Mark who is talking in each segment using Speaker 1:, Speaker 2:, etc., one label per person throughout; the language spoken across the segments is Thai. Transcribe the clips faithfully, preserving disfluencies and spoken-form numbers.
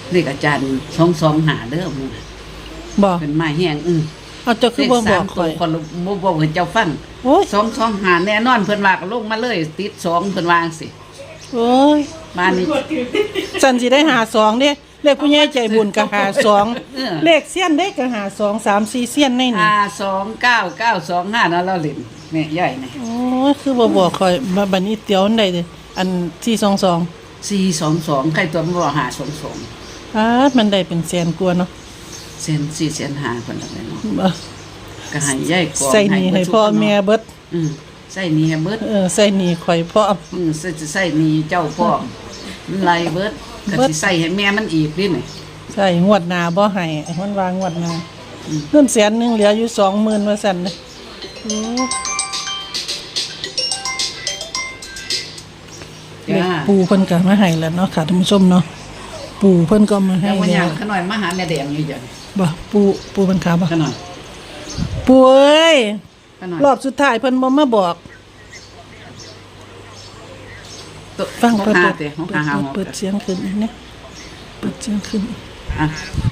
Speaker 1: เลขอาจารย์สองสองหาเด้อมึง
Speaker 2: บ่
Speaker 1: เป็นไม้แห้งอือ
Speaker 2: เอาเจ้าคือบ่บอกข่อย
Speaker 1: คนบ่บอกให้เจ้าฟัง
Speaker 2: โอ้ย
Speaker 1: สองสองหาแน่นอนเพิ่นว่าก็ลงมาเลยติดสองเพิ่นวาจั่งสิ
Speaker 2: โอ้ย
Speaker 1: บ้านนี้
Speaker 2: สันสิได้หาสองเด้เลขผู้ใหญ่ใจบุญก็หาสอง
Speaker 1: เออ
Speaker 2: เลขเสี้ยนได้ก็หาสอง สาม สี่เสี้ยนในนี่
Speaker 1: ห้าสองเก้าเก้าสองห้านั่นเราเล่นแม่ใหญ่นี่
Speaker 2: โอ้ยคือบ่บอกข่อยมาบัดนี้เตียวอันใดเด้อันที่สองสอง
Speaker 1: สี่สองสองใครตัวมันบ่หาสองสอง
Speaker 2: อ้ามันได้เป็นแสนกว่าเนาะ
Speaker 1: เซนสี่เซนหาเพิ่นอะไรเนาะ
Speaker 2: บ่
Speaker 1: ก็ให้ใหญ่กว่า
Speaker 2: ใส่หนี้ให้พ่อแม่เบิด
Speaker 1: อือใส่หนี้ให้เบิด
Speaker 2: เออใส่หนี้ข่อยพร้อม
Speaker 1: อือใส่ใส่หนี้เจ้าพ่อมันไล่เบิดก็
Speaker 2: เบิด
Speaker 1: สิใส่ให้แม่มันอีกดินี่
Speaker 2: ใช่งวดหน้าบ่ให้มันวางงวดหน้าเงินแสนหนึงเหลืออยู่ สองหมื่นว่าซั่นเด้โอ้
Speaker 1: จ้า
Speaker 2: ปู่เพิ่นก็มาให้แล้วเนาะค่ะท่านผู้ชมเนาะปู่เพิ่นก็มาให้
Speaker 1: แล้ววันห
Speaker 2: แล้
Speaker 1: ยัง
Speaker 2: ว
Speaker 1: ขน่อยมาหาแม่แดงอยู่จัง
Speaker 2: บ่ปู่ปู่เพิ่นขาบ่
Speaker 1: ขน่อย
Speaker 2: ปู่เอ้ย
Speaker 1: ขน่อย
Speaker 2: รอบสุดท้ายเพิ่นบ่มาบอก ฟัง
Speaker 1: เปิ
Speaker 2: เปิ
Speaker 1: ด
Speaker 2: ด
Speaker 1: เปิ
Speaker 2: เปิ
Speaker 1: ด
Speaker 2: ด
Speaker 1: เปิดหา
Speaker 2: เปิดเสียงขึ้นอีกนะเปิดเสียงขึ้น
Speaker 1: อ่ะ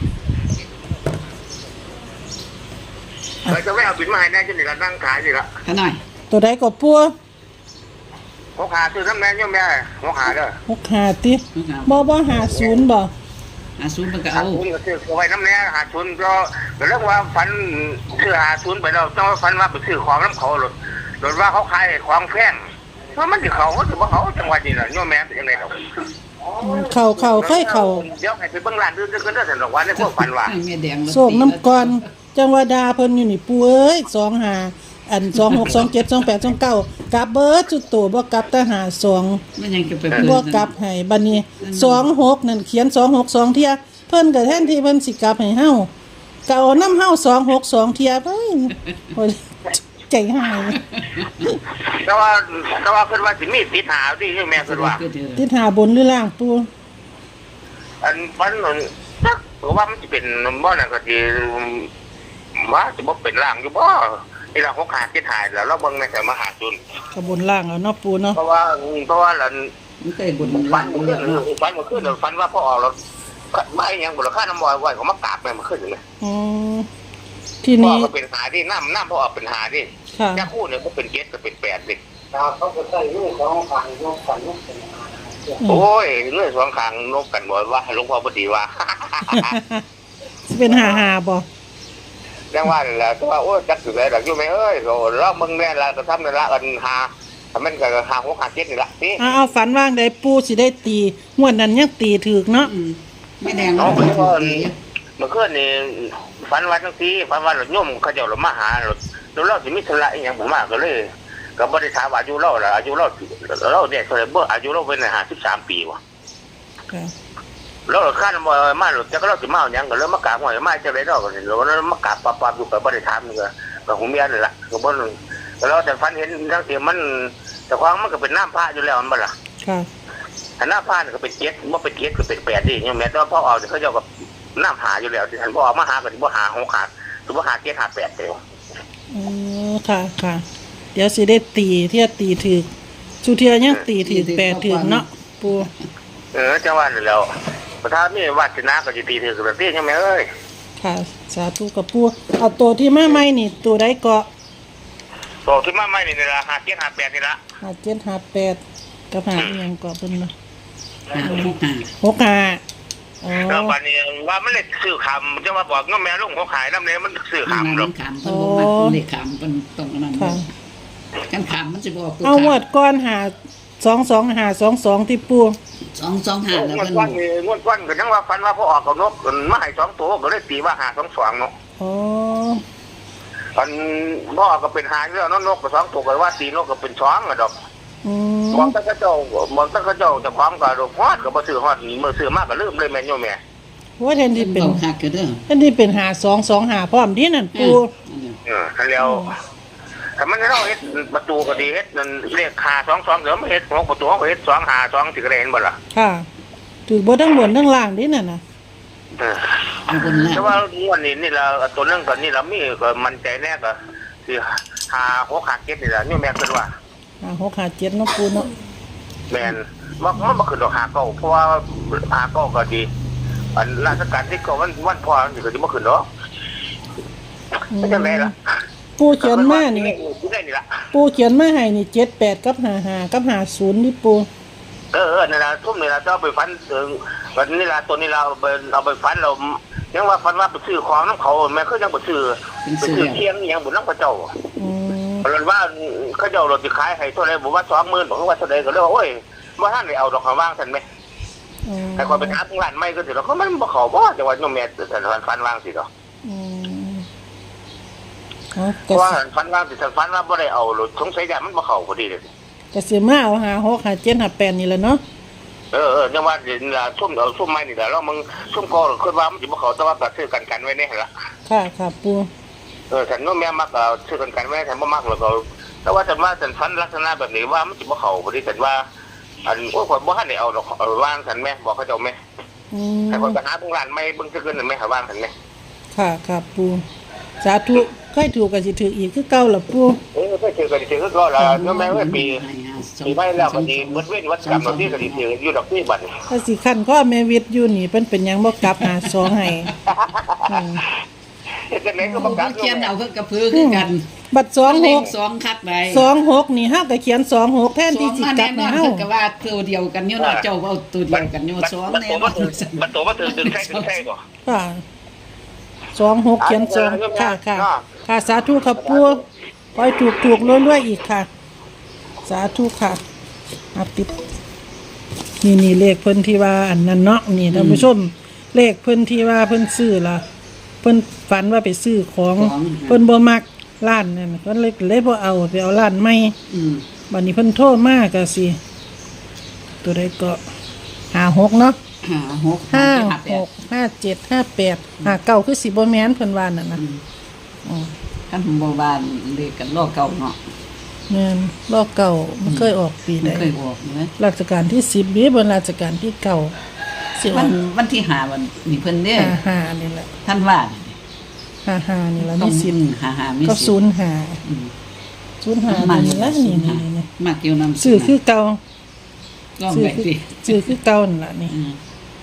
Speaker 3: เราจะไม่เอาบินมาให้แน่จนนี่ละนั่งขายสิละ
Speaker 1: ขน่อย
Speaker 2: ตัวใดก็ปู่
Speaker 3: หัวขาซื้อน้ำแน่ยังแม่หัวขาเด้อ
Speaker 2: หกห้าติบ่บ่ห้าศูนย์บ่
Speaker 1: อาซูมันก็
Speaker 3: หา
Speaker 1: เอา
Speaker 3: ทุนก็ซื้อเอาไว้น้ำแน่หาทุนก็ก็เรื่องว่าฟันซื้อหาทุนไปแล้วต้องฟันว่าไปซื้อของน้ำเขาหลดหลดว่าเขาขายของแพงเพราะมันจะเขาเขาถือว่าเขาจังหวัดนี้แหละโยมแม่เป็นยังไงหรอก
Speaker 2: เข้าเข้าเคยเข้า
Speaker 3: เดี๋ยวให้ไปเบิ่งร้านอื่นก็ได้แต่ละวันในพวกฟันว่า
Speaker 1: ให้แม่แดง
Speaker 2: โศกน้ำก่อนจังหวะดาเพิ่นอยู่นี่ปู่เอ้ยสองห้าอันสองหก สองเจ็ด สองแปด สองเก้ากลับเบิดจุดโตบ่กลับแต่หาสอง
Speaker 1: มันยังจะไปเปิด
Speaker 2: บ่กลับให้บัดนี้สองหกนั่นเขียนสองหกสองเที่ยเพิ่นก็แทนที่เพิ่นสิกลับให้เฮาก็เอานำเฮาสองหกสองเที่ยไปโอ้ยใจหาย
Speaker 3: แต่ว่าแต่ว่าเพิ่นว่าสิมีติดหาที่โยมแม่เพิ่นว่า
Speaker 2: ติดหาบนหรือล่างปู่
Speaker 3: อันฟันนั่นจักว่ามันจะเป็นบ่นั่นก็สิว่าจะบ่เป็นร่างอยู่บ่นี่ล่ะเขาขาดที่ถ่ายแล้วเราเบิ่งในแต่มหาจุน
Speaker 2: ก็บนล่างเอาเนาะปู่เนาะ
Speaker 3: เพราะว่าเพราะว่าหลัน
Speaker 1: มันเคยบน
Speaker 3: ฟั
Speaker 1: บ้าน น
Speaker 3: มัน
Speaker 1: เมื
Speaker 3: ขึ้
Speaker 1: อน งเนาะ
Speaker 3: ฟันมันขึ้นฟันว่าพอออกแล้วไม่ยังบุรค่าน้ำมอยไว้เขามากราบแม่มันขึ้นเลย
Speaker 2: อ๋อที่
Speaker 3: พ่อ
Speaker 2: นี่
Speaker 3: ก็เป็นหาที่น้ำน้ำพอออกเป็นหาที่
Speaker 2: ค่ะ
Speaker 3: แค่คู่เนี่ยก็เป็นเจ็ดก็เป็นแปดเด็ก
Speaker 4: เขาก็ใส่ลูกของฝังลูกฝังลูกเป็นอา
Speaker 3: โอ้ยเงื่อนสองขางนกกันบ่ว่าหลวงพ่อพอดีว่า
Speaker 2: สิเป็นหาหาบ่
Speaker 3: ยังว่าแหละแต่ว่าโอ้จักสุดเลยหลักอยู่ไหมเอ้ยเราเมืองแม่ละก็ทำในละกันหาทำมันก็หาหัวขาดเจ็ดนี่ละนี่
Speaker 2: เอาเอาฝันว่างได้ปู่สิได้ตีงวดนั้นยังตีถูกเนาะ
Speaker 1: อืมแม่แดง
Speaker 3: น้อง
Speaker 1: เนาะ
Speaker 3: เมื่อคืนเมื่อคืนนี่ฝันว่าทั้งทีฝันว่าหลดโยมเขาเจ้าหลดมาหาหลดแล้วเราสิมีธุระอีหยังผมมาก็เลยก็บ่ได้ถามว่าอายุเราล่ะอายุเราเราเนี่ยเท่าไหร่บ่อายุเราเป็นห้าสิบสามปีว่ะ
Speaker 2: ค่ะ
Speaker 3: เราคาดว่ามาหลดจักเราสิมาเอาหยังก็เลยมากราบหวยมาจังได๋เนาะก็สิแล้วมากราบปั๊บๆอยู่ก็บ่ได้ถามก็ก็หูเมียนั่นล่ะก็บ่แล้วแต่ฝันเห็นทั้งที่มันแต่ความมันก็เป็นน้ำพระอยู่แล้วมันบ่ล่ะ
Speaker 2: ค่ะ
Speaker 3: ถ้าน้ำพระนี่ก็เป็นเจ็ดบ่เป็นเจ็ดก็เป็นแปดดิเนี่ยแม้แต่ว่าพอออกเขาเจ้าก็น้ำหาอยู่แล้วที่ท่านบ่ออกมาหาก็สิบ่หาหกขาดสิบ่หาเจ็ดหาแปดเด้อ
Speaker 2: อ๋อค่ะค่ะ เดี๋ยวสิได้ตีเที่ยตีถูกสุเทียยังตีถูกแปดถูกเนาะปู่
Speaker 3: เออจังว่านั่นแล้วประธานมีวาสนาก็สิตีถือกับตีใช่ไหมเอ้ย
Speaker 2: ค่ะ สาธุกับปู่เอาตัวที่มาใหม่นี่ตัวใดเกาะ
Speaker 3: โตขึ้นมาใหม่นี่ล่ะหาเจ็ดหาแปดนี่ล่ะ
Speaker 2: ห้าเจ็ดห้าแปดกับหาอีหยังเกาะเพิ่นเนาะ
Speaker 1: หาหกหา
Speaker 2: หกห้าอ๋อ
Speaker 3: แล้วบัดนี้ว่ามันเลยซื้อคำจะว่าบอกน้องแม่ลุงเขาขายน้ำเนี่ยมันซื้อ
Speaker 1: มัน
Speaker 3: คำหร
Speaker 1: มั
Speaker 3: อก
Speaker 1: นขามเพิ่นบ่มักเลขขามเพิ่นตรงนั้น
Speaker 2: ค่ะ
Speaker 1: กันขามมันสิบ่ออกตัว
Speaker 2: เอาหวดก้อนหาสองสองหาสองสองที่ปู่
Speaker 1: สองสองหาแล้ว
Speaker 3: งวด
Speaker 1: เพิ่น
Speaker 3: ก้อนนี่งวดก้อนก็ยังว่าฟันว่าพอออกกับนกมาให้สองตัวก็เลยตีว่าหาสองสองเนาะ
Speaker 2: อ๋อ
Speaker 3: ฟันพ่อก็เป็นหาอยู่แล้วนกก็สองตัวก็ว่าตีนกก็เป็นสองอะดอก
Speaker 2: อื
Speaker 3: มอง
Speaker 2: ม
Speaker 3: ตั้งกระเจ้ามองตั้งกระเจ้าจะความก็ฮอดก็บ่ซื้อฮอดมือซื้อมากก็ลืมเลยแม่นโยมแม่
Speaker 2: ว่าแทนที่เป็น
Speaker 1: เว้าคักก็เด้อ
Speaker 2: แทนที่เป็นหาสองสองหาพร้อมดีนั่นปู่
Speaker 3: เออทันแล้วถ้ามันเราเฮ็ดประตูก็ดีเฮ็ดนั่นเลขหาสองสองเดี๋ยวมันเฮ็ดของประตูเขาก็เฮ็ดสองหาสองสิก็ได้เห็นบ่ล่ะ
Speaker 2: ค่ะถือบ่ทั้งบนทั้งล่างดีนั่นน่ะ
Speaker 3: เออ
Speaker 1: เอาบนล่าง
Speaker 3: แต่ว่างวดนี้นี่ละตัวนึงก็นี่ละมีก็มั่นใจแน่ก็สิหาหกหาเจ็ดนี่ล่ะโยมแม่คิดว่า
Speaker 2: หาหกหาเจ็ดเนาะปู่เนาะ
Speaker 3: แม่นมันมันบ่ขึ้นดอกหาเก้าเพราะว่าหาเก้าก็ดีอันราชการที่ก็วันวันพ่อนี่ก็จะมาขึ้นเนาะไม่จำเป็นละ
Speaker 2: ปูเขียนมานี่
Speaker 3: ได้นี่ละ
Speaker 2: ปูเขียนมาให้นี่เจ็ดแปดกับห้าห้ากับห้าศูนย์นี่ปู
Speaker 3: เออเออนี่ละทุ่มนี่ละจะเอาไปฟันถึงวันนี้ละตัวนี้เราเอาไปเอาไปฟันเรายังว่าฟันว่าไปซื้อของน้ำเขาแม่เขายังไปซื้อไปซื้อเที่ยงยังบุญน้ำพระเจ้า
Speaker 2: อืม
Speaker 3: เพราะว่าเขาเจ้าเราจะขายให้เท่าไรบอกว่าสองหมื่นบอกว่าเท่าไรก็เลยว่าโอ้ยว่าท่านได้เอาดอกคำว่างท่านไหม
Speaker 2: อืม
Speaker 3: แต่ความเป็นอาร์ตงานไม่ก็ถือเราก็มันบ่เขาบ่แต่ว่าโยมแม่แต่ฟันฟันว่างสิเนาะ
Speaker 2: อืมเอา
Speaker 3: เพ
Speaker 2: กระ
Speaker 3: ราะว่า
Speaker 2: สิ
Speaker 3: ฟันว่างสิฟันว่าบ่ได้เอาหรือสงสัยยามันบ่เขาพอดีเลย
Speaker 2: กระสิมาเอาหาหกหาเจ็ดหาแปดนี่แหละเนาะ
Speaker 3: เออเออจังว่าเดี๋ยวละซุ่มเอาซุ่มไม้นี่แหละแล้วมึงซุ่มคอคิดว่ามันสิบ่เขาแต่ว่าก็ซื้อกันกันไว้นี่หั่นล่ะ
Speaker 2: ค่ะค่ะปู
Speaker 3: เออฉันโยมแม่มักเอาซื้อกันกันไว้ฉันบ่มักแล้วก็แต่ว่าฉันว่าฉันฟันลักษณะแบบนี้ว่ามันสิบ่เขาพอดีฉันว่าอันโอ้ยข่อยบ่ทันได้เอาดอกเอาวางฉันแม่บอกเขาเจ้าแม่
Speaker 2: อืม
Speaker 3: ให้คนไปหาพวกร้านไม่เบิ่งซื่อๆนั่นแม่หาวางฉันแม่
Speaker 2: ค่ะค่ะปูสาธุใครถูกก็สิถืออีกคือเก่าล่ะปู
Speaker 3: เออก็ถือก็สิถือก็ละโยมแม่ว่าปีปีไปแล้วก็สิหมดเว้นวัดกรรมที่ก็สิถืออยู่ดอกที่บัด
Speaker 2: ถ้าสิคันข้อแม่วิทย์อยู่นี่เพิ่นเป็นหยังบ่กลับหาสองให้อืม
Speaker 3: จะไหนก็บ่กลับ
Speaker 1: เขียนเอาคือกระพือคือกัน
Speaker 2: บัตรสองห
Speaker 1: เล
Speaker 2: ก
Speaker 1: ขสองคักใด
Speaker 2: สองหกนี่เฮาก็เขียนสองหกแทน
Speaker 1: ส
Speaker 2: ที่
Speaker 1: อง
Speaker 2: สิ
Speaker 1: มาก
Speaker 2: ลั
Speaker 1: แน่
Speaker 2: บ
Speaker 1: น
Speaker 2: ให้
Speaker 1: อน
Speaker 2: เฮา
Speaker 1: คือก็ว่าตัวเดียวกันอยู่เนาะเจ้าเอาตัวเดียวกันอยู่สองแน่นอน
Speaker 3: มันตัวมันถือถึงใช่ถึงใช่ก่อน
Speaker 2: ค่ะสองหกเขียนสองค่ะค่ะค่ะสาธุครับปูขอให้ถูกถูกรวยๆอีกค่ะ สาธุค่ะอาปิดนี่นี่เลขเพิ่นที่ว่าอันนั้นเนาะนี่ท่านผู้ชมเลขเพิ่นที่ว่าเพิ่นซื้อล่ะเพิ่นฝันว่าไปซื้อของเพิ่นบ่มักร้านนั่นเพิ่นเลยเลยบ่เอาไปเอาร้านใหม่
Speaker 1: อืม
Speaker 2: บัดนี้เพิ่นโทรมาก็สิตัวใดก็ห้าหกเนาะ
Speaker 1: ห้าหก
Speaker 2: ห้า
Speaker 1: ห้าแป
Speaker 2: ห
Speaker 1: ด
Speaker 2: กห้าเจ็ดห้าแปดห้าเก้าคือสิบ่แม่นเพิ่นว่านั่นน่ะอือ
Speaker 1: คันบ่บ้านเลขกันล้อเก่าเนาะ
Speaker 2: แม่นรอบเก่ามันเคยออกปี
Speaker 1: มั
Speaker 2: ใด
Speaker 1: นเคยออกเนาะ
Speaker 2: ราชการที่สิบนี้บนราชการที่เก่าสิ
Speaker 1: วั
Speaker 2: ว่าน
Speaker 1: วันที่ห้าวันนี่เพิ่นเด้
Speaker 2: ห้าห้านี่แหละ
Speaker 1: ท่านว่า
Speaker 2: ห้าห้านี่แหละ
Speaker 1: ต้อ
Speaker 2: มี
Speaker 1: ง
Speaker 2: สิบ
Speaker 1: ห้าห้ามี
Speaker 2: ก็
Speaker 1: สิ
Speaker 2: ศูนย์ห้า
Speaker 1: อืม
Speaker 2: ศูนย์ห้า
Speaker 1: มา
Speaker 2: นี่แหละนี่นี่นี่
Speaker 1: มาเกี่ยวนำ
Speaker 2: ซื้อคือเก่า
Speaker 1: ลอง
Speaker 2: ซื้อ
Speaker 1: ไป
Speaker 2: คือ
Speaker 1: สิ
Speaker 2: ซื้อคือเก่านั่นล่ะนี่
Speaker 1: อืม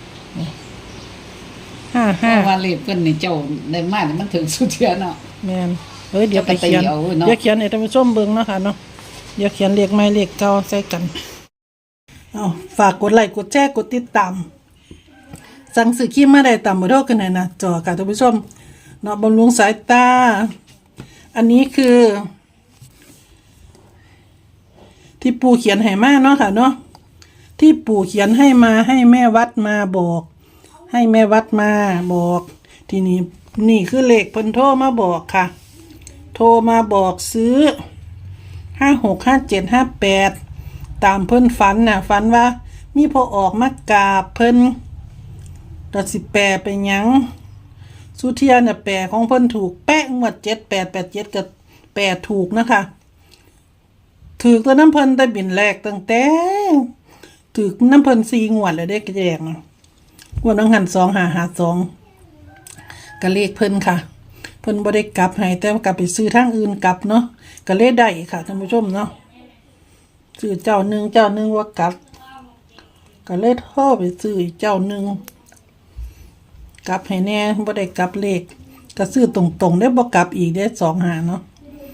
Speaker 2: ห้า
Speaker 1: เพ
Speaker 2: ห้า
Speaker 1: ราะว่าเลขเพิ่นนี่เจ้าได้มานี่มันถึงสุดเทียเนาะ
Speaker 2: แม่นเฮ้ยเดี๋ยวไป
Speaker 1: จะไป
Speaker 2: เขียน
Speaker 1: ตีเอาเนาะ
Speaker 2: เดี๋ยวเขียนให้ท่านผู้ชมเบิ่งเนาะค่ะเนาะเดี๋ยวเขียนเลขใหม่เลขเก่าใส่กันเอาฝากกดไลค์กดแชร์กดติดตามสั่งซื้อครีมมาได้ตามเบอร์โทรกันหน่อยนะจอค่ะท่านผู้ชมเนาะบำรุงสายตา อันนี้คือ ที่ปู่เขียนให้มาเนาะค่ะเนาะที่ปู่เขียนให้มาให้แม่วัดมาบอก ให้แม่วัดมาบอก ทีนี้นี่คือเลขเพิ่นโทรมาบอกค่ะ โทรมาบอกซื้อห้าหกห้าเจ็ดห้าแปดตามเพิ่นฝันน่ะฝันว่า มีพอออกมากราบเพิ่นตัดสิแปลไปหยังสุเทียน่ะแปลของเพิ่นถูกแป๊ะงวดเจ็ดแปดแปดเจ็ดกับแปดถูกนะคะถือตัวน้ำเพิ่นได้บินแรกตั้งแต่ถือน้ำเพิ่นสี่งวดเลยได้กระแจกนะงวดน้องหันสองหาหาสองก็เลขเพิ่นค่ะเพิ่นบ่ได้กลับให้แต่ว่ากลับไปซื้อทางอื่นกลับเนาะก็เลขได้ค่ะท่านผู้ชมเนาะซื้อเจ้าหนึ่งเจ้าหนึ่งว่ากลับก็เลยโทรไปซื้ออีกเจ้าหนึ่งกลับให้แน่บ่ได้กลับเลขก็ซื้อตรงๆได้บ่กลับอีกได้สองหาเนาะ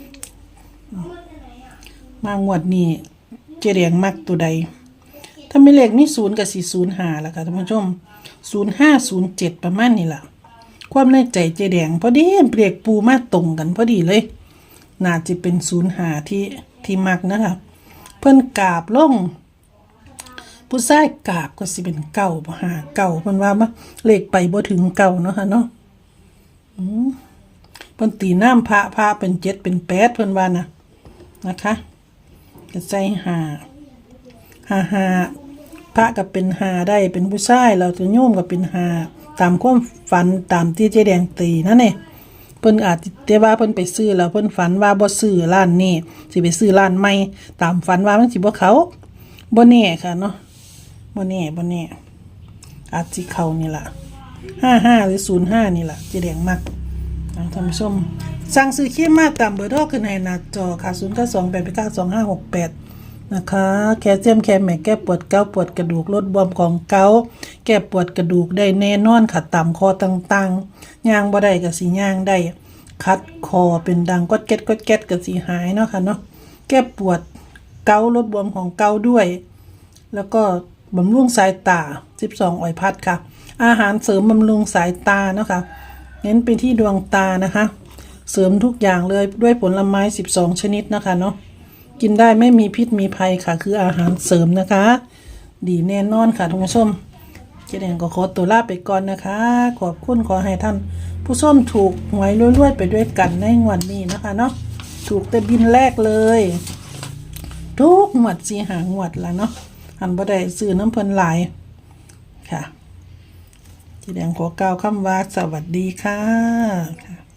Speaker 2: มางวดนี้เจเรียงมักตัวใดถ้าไม่เลขมีศูนย์กับสี่ศูนย์หาล่ะค่ะท่านผู้ชมศูนย์ห้าศูนย์เจ็ดประมาณนี้ล่ะความในใจเจแดงพอดีเปรียกปูมาตรงกันพอดีเลยน่าจะเป็นศูนย์หาที่ที่มักนะคะเพิ่นกราบลงผู้ชายกราบก็สิเป็นเก่าบ่หาเก่าเพิ่นว่ามาเลขไปบ่ถึงเก่าเนาะค่ะเนาะอืมเพิ่นตีน้ำพระพระเป็นเจ็ดเป็นแปดเพิ่นว่านะนะคะก็ใส่หาหาหาพระก็เป็นหาได้เป็นผู้ชายเราจะโยมก็เป็นหาตามความฝันตามที่เจ๊แดงตีนั่นเองเพิ่นอาจจะว่าเพิ่นไปซื้อแล้วเพิ่นฝันว่าบ่ซื้อร้านนี้สิไปซื้อร้านใหม่ตามฝันว่ามันสิบ่เขาบ่แน่ค่ะเนาะบ่แน่บ่แน่อาจสิเข้านี่ล่ะห้าห้าหรือศูนย์ห้านี่ล่ะเจ๊แดงมักเอาท่านผู้ชมสั่งซื้อครีมมาตามเบอร์โทรขึ้นให้หน้าจอค่ะศูนย์ เก้า สอง แปด เก้า สอง ห้า หก แปดนะคะแคลเซียมแคลแมกแก้ปวดเกาต์ปวดกระดูกลดบวมของเกาต์แก้ปวดกระดูกได้แน่นอนค่ะตามคอต่างๆย่างบ่ได้ก็สิย่างได้คัดคอเป็นดังกดแก๊ดกดแก๊ดก็สิหายเนาะค่ะเนาะแก้ปวดเกาลดบวมของเกาด้วยแล้วก็บำรุงสายตาสิบสองอ้อยพัดค่ะอาหารเสริมบำรุงสายตาเนาะค่ะเน้นไปที่ดวงตานะคะเสริมทุกอย่างเลยด้วยผลไม้สิบสองชนิดนะคะเนาะกินได้ไม่มีพิษมีภัยค่ะคืออาหารเสริมนะคะดีแน่นอนค่ะทุกผู้ชมเจ๊แดงก็ขอตัวลาไปก่อนนะคะขอบคุณขอให้ท่านผู้ชมถูกหวยรวยๆไปด้วยกันในงวดนี้นะคะเนาะถูกแต่บินแรกเลยทุกงวดสีหางวดละเนาะหันบ่ได้ซื้อน้ำเพิ่นหลายค่ะเจ๊แดงขอกล่าวคำว่าสวัสดีค่ะ